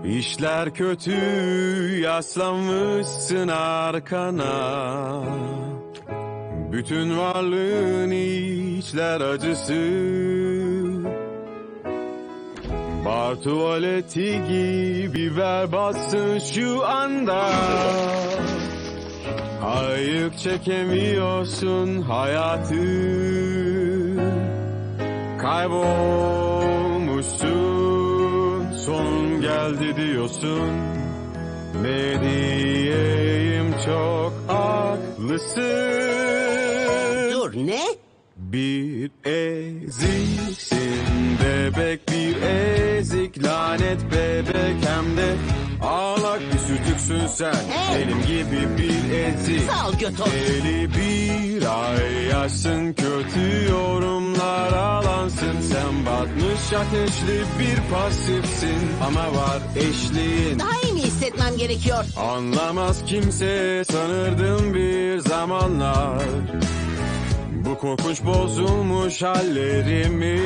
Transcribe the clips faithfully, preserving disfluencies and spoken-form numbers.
İşler kötü, yaslanmışsın arkana. Bütün varlığın içler acısı. Bar tuvaleti gibi berbatsın şu anda. Ayık çekemiyorsun hayatı. Kaybolmuşsun, sonun geldi diyorsun. Ne diyeyim, çok haklısın. Dur, ne? Bir eziksin bebek, bir ezik lanet bebek, hem de ağlak bir sütüksün sen. Hey! Benim gibi bir ezik. Sağ ol Götos. Deli bir ay yaşsın, kötü yorumlar alansın. Sen batmış ateşli bir pasifsin, ama var eşliğin. Daha iyi mi hissetmem gerekiyor? Anlamaz kimse sanırdım bir zamanlar. Bu korkunç bozulmuş hallerimi.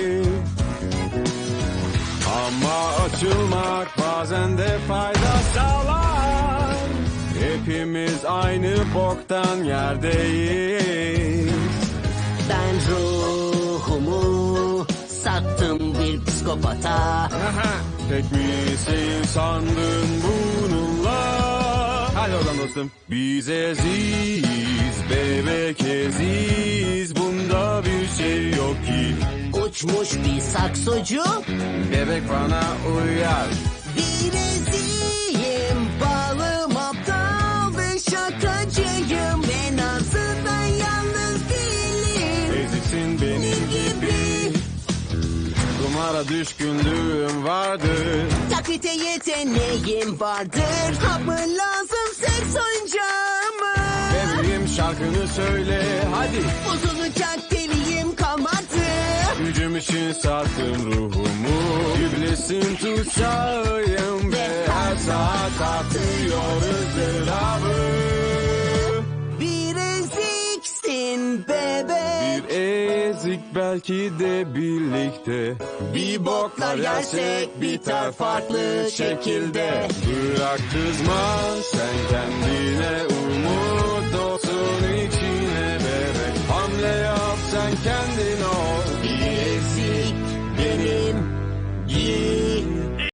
Ama açılmak bazen de fayda sağlar. Hepimiz aynı boktan yerdeyiz. Ben ruhumu sattım bir psikopata. Tek misin sandın bununla? Hadi oradan dostum. Biz eziz, bebek eziz. Bunda bir şey yok ki. Uçmuş bir saksocu. Bebek bana uyar. Bir eziyim, balım aptal ve şakacıyım. En azından yalnız değilim. Eziksin benim gibi. Kumara düşkünlüğüm vardır. Taklite yeteneğim vardır. Hap mı lazım, seks oyuncağı mı? Bebeğim şarkını söyle hadi. Bozulacak deliyim kalmadı. Gücüm için sattım ruhumu. İblisin tutsağıyım ve her saat artıyor ızdırabı. Bir eziksin bebek. Bir ezik belki de birlikte. Bir boklar yersek biter farklı şekilde. Bırak kızma, sen kendi